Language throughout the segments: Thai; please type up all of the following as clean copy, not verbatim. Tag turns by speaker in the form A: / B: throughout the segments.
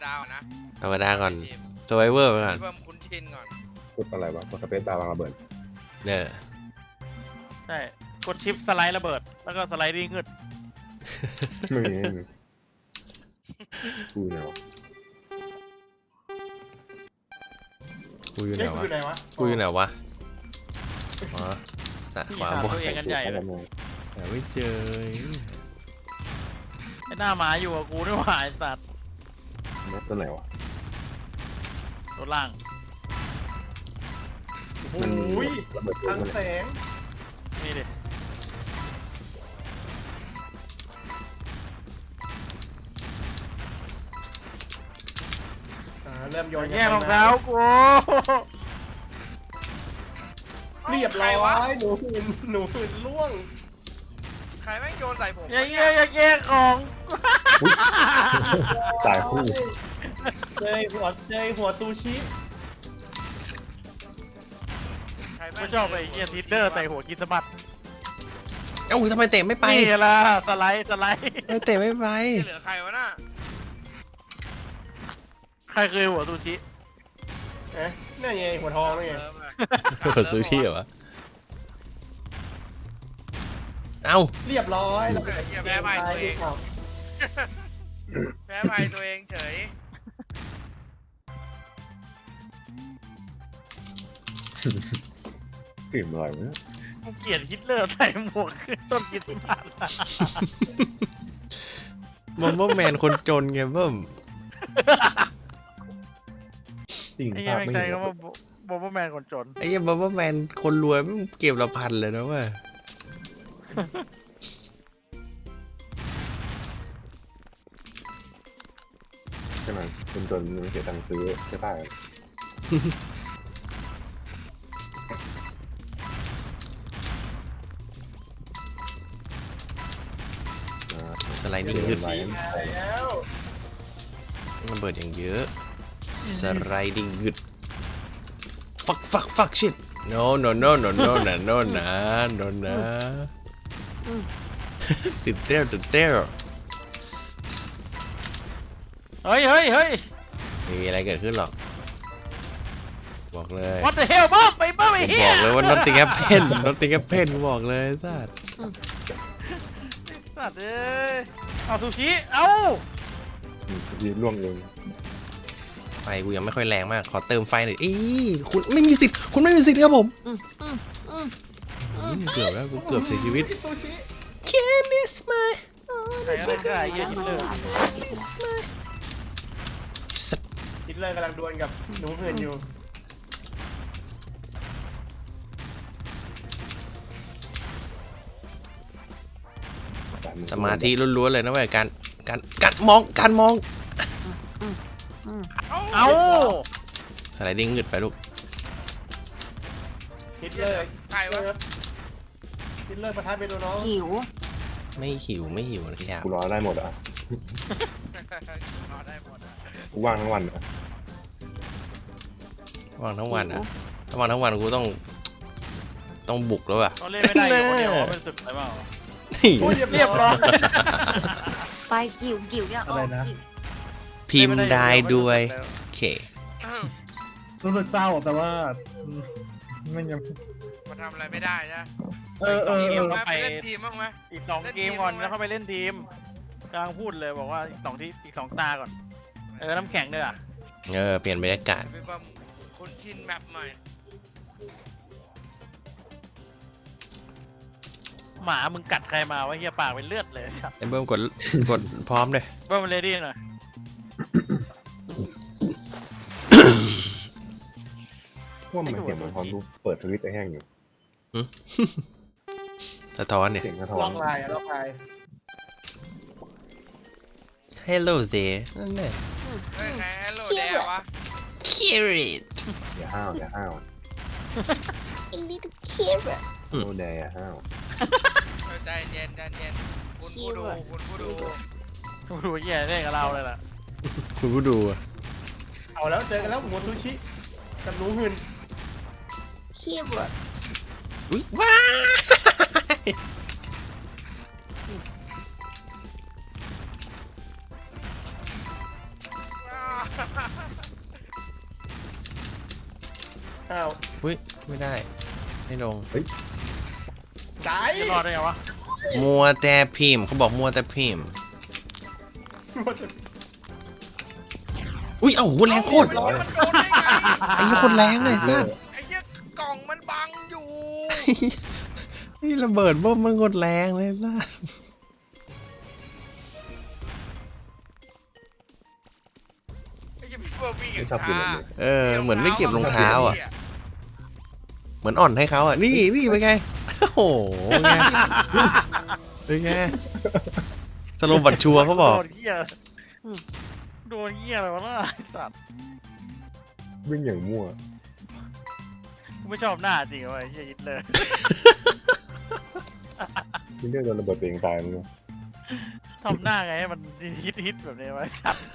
A: ดาก่อนนะ
B: ธรรมดาก่อน
A: ทีม
B: สไวเวอร์ไปก่อน
A: เพิ่มคุ้นชินก่อน
C: กดอะไรวะกดสเปซบาร์วางระเบิด
B: เนี่ย
D: ใช่กดชิปสไลด์ระเบิดแล้วก็สไลด์ดิ้งขึ้น
C: ไม่มีกูเนี่ยวะ
B: กูอยู่ไหน
E: เฮ้ยกูอยู่ไหน
B: วะ
E: วะ
B: กูอยู่ไหนวะอ๋อสะ
D: พี่
B: ขวา
D: หา
B: บน
D: ตัวเองกันใหญ่เลย
B: หาไม่เจอ
D: ไอ้หน้าหมาอยู่กับกูด้วยว่ะไอ้สัตว์
C: นัดตัวไหนวะ
D: ตัวล่าง
E: โอ้
C: มันมี
E: โหย
C: ระเบิด
E: ทางแสง
D: นี่ดิ
E: เริ่มโยน
D: แย่งรองเท้ากู
E: เรียบร้
A: ใควะ
E: อยหนูหืนล่วง
A: ใครแม่งโยนใส่ผม
D: อย่าว
A: ะ
D: แย่งอย่าแย่งของ
C: ตายคู่
E: เจยหัวซูชิ
A: ใครแม่
D: กู
A: ง
D: ชอบไอ้เหี้ยทิดเดอร์ใส่หัวกินสะบัด
B: เอ้าทำไมเตะไม่ไป
D: นี่ล่ะสไลด์
B: ไม่เตะไม่ไป
A: เหลือใครวะน่ะ
D: ใครเคยหัวซูชิ
E: เอ๊ะนั่นไงหัวทองนี่ไง
A: เริ่มอะ
B: เปิดซูชิเหรอวะเอ้า
E: เรียบร้อย
A: เหี้ยแพ้ไปตัวเองแพ้ไปตัวเองเฉย
C: กลิ่นอร่อยวะ
D: กูเกลียดฮิตเลอร์ใส่หมวกขึ้นต้นกินสะบัด
B: มอมเบอร์แมนคนจนไงเบิ้ม
C: จริง
D: ไอ้
C: ภา
D: เหี้ย
C: พ
D: แม่ง
C: ไม่
D: ใจ
C: เห็น
D: ก็ว่าบอมเบอร์แมนคนจน
B: ไอ้เหี้ยมอมเบอร์แมนคนรวยมันเก็บละพันเลยนะเว้ย
C: ใช่ไหมจนมันเสียตังค์ซื้อใช่ป่ะ
B: สไลดิ้งยืด
C: ไว้
E: แล้ว
B: มันเบิดอย่างเยอะสไลดิ้งยืด fuck shit no no no no no no no นะ no นะติดเต้ว
D: เฮ้ย
B: ไม่มีอะไรเกิดขึ้นหรอกบอกเลย
D: what the hell บ้าไปบ้าไอ้
B: ผม
D: เหี้
B: บ
D: ย
B: อกเลยว่า nothing happen nothing happen กูบอกเลยสัส
D: สัตว์เอ้ยเอาซูชิเอ้า
C: ยืนล่วงเอง
B: ไฟกูยังไม่ค่อยแรงมากขอเติมไฟหน่อยคุณไม่มีสิทธิ์คุณไม่มีสิทธิ์ครับผมเกือบแล้วกูเกือบเสียชีวิต
E: ซูชิ
B: Can this my
D: ใครก็ได้ไอ้เหี้ยฮิตเลอร์
B: สัตว์
E: ฮิตเลอร์กำลังดวลกับหนูหืนอยู่
B: สมาธิล้วนๆเลยนะเว้ยการมอง
D: เอ้า
B: สไลดิ้งหงึดไปลูก
E: ฮิตเลอร์
A: ใครวะ
E: ฮิตเลอร์ประทับเป็นตัวน้อง
F: หิว
B: ไม่หิวนะครับ
C: กูรอได้หมดอ่ะ
A: รอได้หมดอะ
C: กูว่างทั้งวันอ่ะ
B: ว่างทั้งวันอ่ะถ้าว่างทั้งวันกูต้องบุกแล้วอ่ะ
D: เขาเล่นไม่ได้อยู่คนเดียวเป็นศึกอะไรเปล่า
E: โอ้ย
D: เรียบร้อย
F: ไปกิ่วเนี่ย
E: อะไรนะ
F: กิ่ว
B: พิมพ์ได้ด้วยโอเค
G: รู้สึกเศร้าแต่ว่าไม่ยัง
A: มาทำอะไรไม่ได้นะ
G: เออ
A: ไปเล่นทีมบ้างไหม
D: อีก2 เกมก่อนแล้วเข้าไปเล่นทีมกำลังพูดเลยบอกว่าอีก2 ตาก่อนน้ำแข็งด้วยอ่ะ
B: เปลี่ยนบรรยากาศ
A: ไปบัมคุ้นชินแมปใหม่
D: หมามึงกัดใครมาวะเฮียปากเป็นเลือดเลยครับ
B: ไอ้เบิ้มกดพร้อมเลย
D: เบิ้มเลดี้หน่อย
C: ว่ามันเสียงเหมือนตอนกูเปิดสวิตช์ไอ้แห้งอยู่
B: สะท้อนเนี่ย
C: เสียงสะท้อ
E: ล็อน กลายล็อกลาย
B: Hello there นั่นแหละ
A: เฮ้ยใครฮัลโหลแดงวะ
B: Carrot
C: อย่าห้าว
F: A little carrot
C: โนแดอย่าห้าว
A: ใจเย็นคุณผู้ดู
D: ดูเฮียเล่นกับเราเลยล่ะ
B: คุณผู้ดูอะ
E: เอาแล้วเจอกันแล้วหัวซูชิกับหนูหืน
F: carrot
B: อุ๊ยว้า
E: อ้าว
B: อุ้ยไม่ได้ไม่ลง
E: ไก่
D: จะรอดได้ไงวะ
B: มัวแต่พิมพ์เขาบอกมัวแต่พิมพ์อุ้ยเอ้าโหแรงโคตร
A: มันโดนได้ไง
B: ไอ้เหี้ยโคตรแรงเลยนะ
A: ไอ้เหี้ยกล่องมันบังอยู่
B: นี่ระเบิดเบิ้มมันโคตรแรงเลยนะ
A: ไอ้เหี้ยพี่เบอร์บี้
C: ไม่
A: กับ
C: ชอบกิน
A: ชา
C: แบบนี้
B: เออเหมือนไม่เก็บรองเท้าอ่ะเหมือนอ่อนให้เขาอ่ะนี่เป็นไงโอ้โหไงเป็นไงสโลบัตชัวร์เขาบอก
D: โดนเหี้ยโดนเหี้ยอะไรวะน่ะไอ้สัตว์
C: วิ่งอย่างมั่ว
D: กูไม่ชอบหน้าจริงวะไอ้เหี้ยยิดเลย
C: วิ่งเรื่องโดนระเบิดตัวเองตายมั้ง
D: ทำหน้าไงให้มันฮิตแบบนี้วะไอ้สัตว์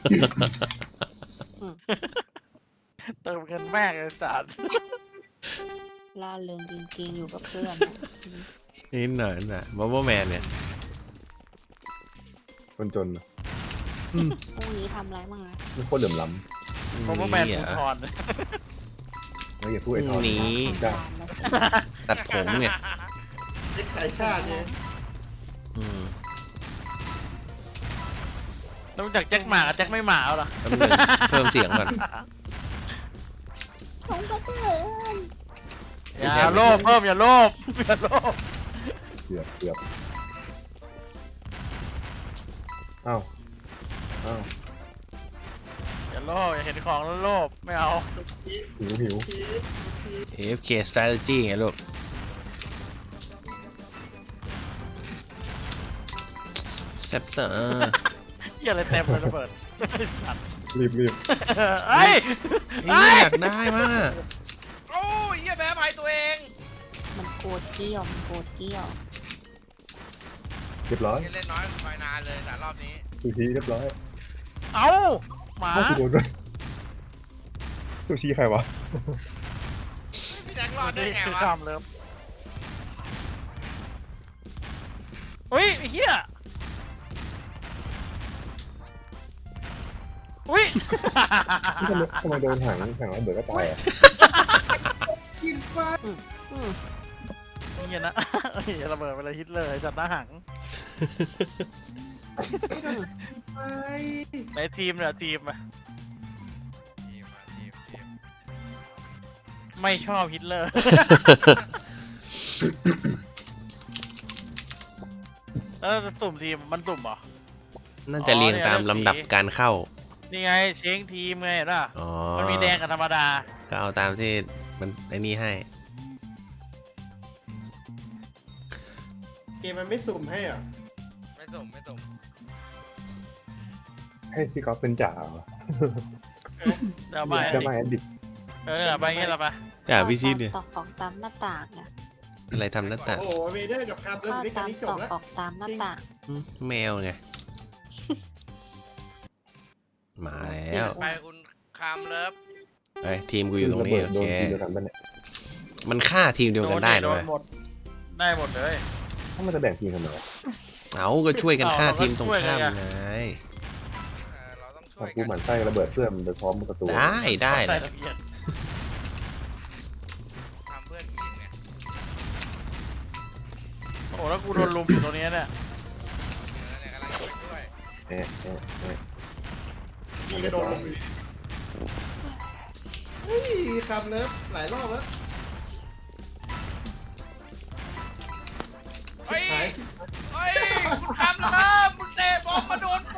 D: เติมเงินแม่งเลยสัตว์
F: ล่าเริงจริงๆอยู่กับเพื่อน
B: นี่หน่อยนะบับเบิ้ลแมนเนี่ย
C: คนจนน่ะ
F: พรุ่งนี้ทำอะไรบ้างนะ
C: ไม่โคตรเหลื่อมล้
D: ผมว่าแมน
B: เหร
D: ปู
B: อ
D: ทอน
C: ำแล้วอย่าพูดไอ้ทอน
B: หนี
C: ได้
B: ตัดผมเนี่ย
E: ไอ้ไข่ชาติเนี่ย
B: อืม
D: แล้วรู้จักแจ็คหมากับแจ็คไม่หมาเหรอ
B: แป๊บนึงเพิ่มเสียงก่อน
F: ของก็เพื่อน
D: อย่าโลภเพิ่มอย่าโลภอย่าโลภ
C: เกือบอ้าวอ้าว
D: อย่าโลภอย่าเห็นของแล้วโลภไม่เอา
C: หิว
B: AFK strategy ไงลูกเซปเตอร์
D: เหี้ยอะไรเต็มเลยระเบิดสัตว์
C: รีบ
D: เอ้ย
B: อยากได้มาก
A: โอ้ยเหี้ยแพ้ภัยตัวเอง
F: มันโกรธเกี้ยวมันโกรธเกี้ยว
C: เรียบร้อย
A: เหี้ยเล่นน้อยไปนานเลยแต่รอบนี้
C: ซูชิเรียบร้อย
D: เอาหมา
C: อ้าวกูโดนด้วยซูชิใครวะ
A: พี่แจ็ครอดได้ไง
D: คือ
A: วะ
D: ข้ามเลิฟเฮ้ยไอ้เหี้ยอุ้ย
C: ทำไมโดนถังระเบิดก็ตายอ่ะ
D: เหี้ยนะเฮ้ยระเบิดไปเลยฮิตเลยจัดหน้าหังในทีมเนี่ยทีมอะ
A: ทีม
D: ไม่ชอบฮิตเลอร์ แล้วจะสุ่มทีมมันสุ่มเหรอ
B: น่าจะเรียงตามลำดับการเข้า
D: นี่ไงเช้งทีมไงเห็นป่ะ
B: อ๋อ
D: มันมีแดงกับธรรมดา
B: ก็เอาตามที่มันไอ้นี่ให้
E: เกมมันไม่สุ่มให้เหรอ
A: ไม่ส่ง
C: ให้พี่ก๊อฟเป็นจ่าเหรอ
D: เดี๋ยวไป
C: จะมาแอดดิก
D: ไปงี้เราไป
B: จ่าพี่ชิดเนี่ย
F: ตอกของตามหน้าต่างอ่ะ
B: อะไรทำหน้าต่าง
E: โอ้โหเวเดอร์กับคาร์บเริ่ม
F: ก็
E: ด้วยกั
F: ตาน ม
E: ที่จ
F: ต
E: บ
F: อก
E: แล้ว
F: ออกตามหน้าต่าง
B: แมวไง มาแล้ว
A: ไปคุณคามเลิฟ
B: ไอ้ยทีมกูอยู่ตรงนี้
C: ระ
B: โอ
C: เบิดโด
B: เคน
C: ทีเดียวกันปะเนี่ย
B: มันฆ่าทีมเดียวกันได้นะเว้ย
D: หมดได้หมดเลย
C: ถ้ามันจะแบ่งทีมทำไมวะ
B: เอาก็ช่วยกันฆ่าทีมตรงข้ามไง
A: เราต้องช่
C: เอา
A: วย
C: กู
A: กัน
C: หมั่นไส้ระเบิดเพื่อนมันไปพร้อมประตู
B: ได้
D: ใส่
B: นะ
D: ทะเบียน
A: ทำเพื่อนทีมไง
D: โอ้แล้วกูโดนลุมอยู่ตรงนี้เนี่ย
A: เนี่ยกำลังช่วยด้วย
C: เอ๊ะ
E: มีกระโดดลงอยู่เฮ้ยคาร์บเลิฟหลายรอบแล้ว
A: เฮ้ย
E: หาย
A: เฮ้ยคุณคามเลิฟมึงเตะบอลมาโดนกู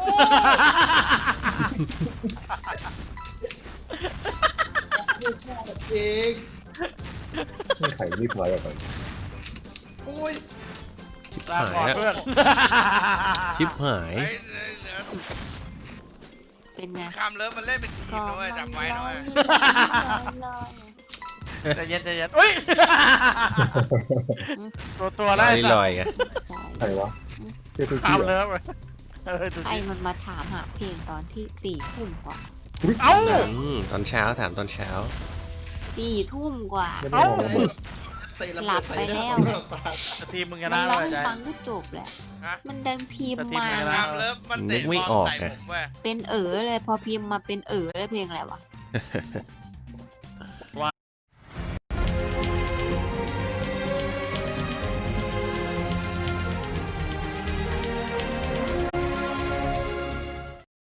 E: เอง
C: ไม่ไข่รีบร้อยออกไป
E: โอ้ย
B: ชิบ
D: ลา
B: หาย
D: ก่อน
B: แล้ว
D: เพื่อน
B: ชิบหาย
A: เฮ้ย
F: เป็นไง
A: คามเลิฟมันเล่นเป็นทีมนะเว้ยจำไว้นะเว้ย
D: ใจเย็นใจเย็นอุ้ยตัว
B: ล
D: ได้
B: อย
D: สั
B: ล
D: ต
B: อย
D: ว์
B: ไง
C: ใครวะเจ้าซู
D: ข้า
C: ชิ
D: ม
C: เหร
D: เลิ
C: อ
D: ฟดู
F: ไอ้
D: ดิ
F: มันมาถามหาเพลงตอนที่4 ทุ่มกว่า
D: เอ้า
B: ตอนเช้าถามตอนเช้า
F: 4 ทุ่มกว่า
C: ไม่ได้มองระเบิด
E: เตะระ
F: หลั
E: เบิด
F: บ
E: ใส่
F: ไป
E: ห
F: แล้
E: น้าว ตา
D: ทีมมึงช
F: มั
D: นะ
F: น
D: เล
F: ร้อง
D: ย
F: ให้
D: ใจ
F: ฟังก็จบแหละ
A: ฮะ
F: มันดันพิมพ์มา
A: คามเลิฟมันเตะบอลใส่ผมเว้ย
F: เป็นเลยพอพิมพ์มาเป็นเลยเพลงอะไรวะ